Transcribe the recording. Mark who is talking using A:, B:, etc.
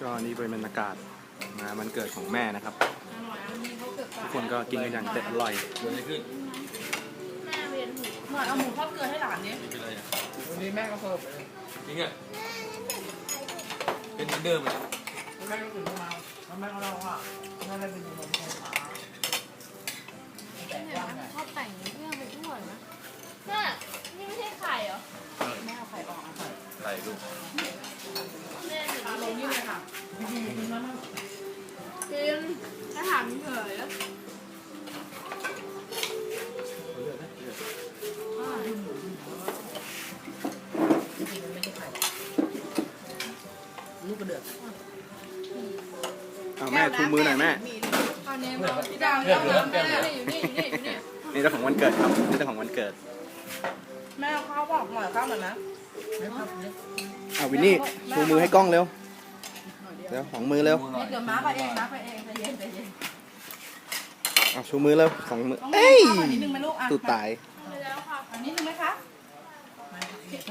A: ก็นี่เป็นบรรยากาศงานวันเกิดของแม่นะครับทุกคนก็กินกันอย่างอร่อย
B: เกิดอะไรขึ้น
C: แม่เวียนหัว
D: หน่อยเอาหมูทอดเกลือให้หลานดิ
B: ไม่เป็นไรอ่ะ
D: วันนี้แม่ก็เสิร์ฟ
B: จริงอ่ะเป็นเหมือนเดิมอ่ะ
D: แม่ก็ตื่นมาแล้วแม่ก็เล่าว่าแม่ได้เป็นคนไฟฟ้าแต่
C: เนี่ย
D: ว่าไง
C: ชอบแต่งเรื่องไปทั่วนะแม่นี่ไม่ใช่ไข่เหรอ
D: แม่เอาไข่ออกเอาไข่
B: ใส่ลูก
C: แม่หนู
D: ลงนี่เลยค่ะพี่ดีกินแล้วนะ
C: กินถ้าถามเฉยแล้ว
D: ไม่ใช่ไข่ลูกกระเดือก
A: เอาแม่ชูมือหน่อยแม่
C: ตอนนี้เราพี่ดาวแล้วแม่อยู่นี่อยู่นี่อยู่นี่
A: นี่เจ้าของวันเกิดครับนี่เจ้าของวันเกิด
D: แม่เอาข้าวบอกหน่อยข้าวหน่อยนะไม่ครับเนี่ย
A: เอาวินนี่ชูมือให้กล้องเร็วเร็วของมือเร็ว
D: เดี๋ยวม้าไปเองม้าไปเองใจเย็นใจเย็น
A: เอาชูมือเร็วสองมือ
D: ต้อง
A: เอ้ย
D: ข้าวนิดนึงไหมลูกอ่ะ
A: ตูดตาย
C: ไปแล้วค่ะ
D: อันนี้นึงไหมคะ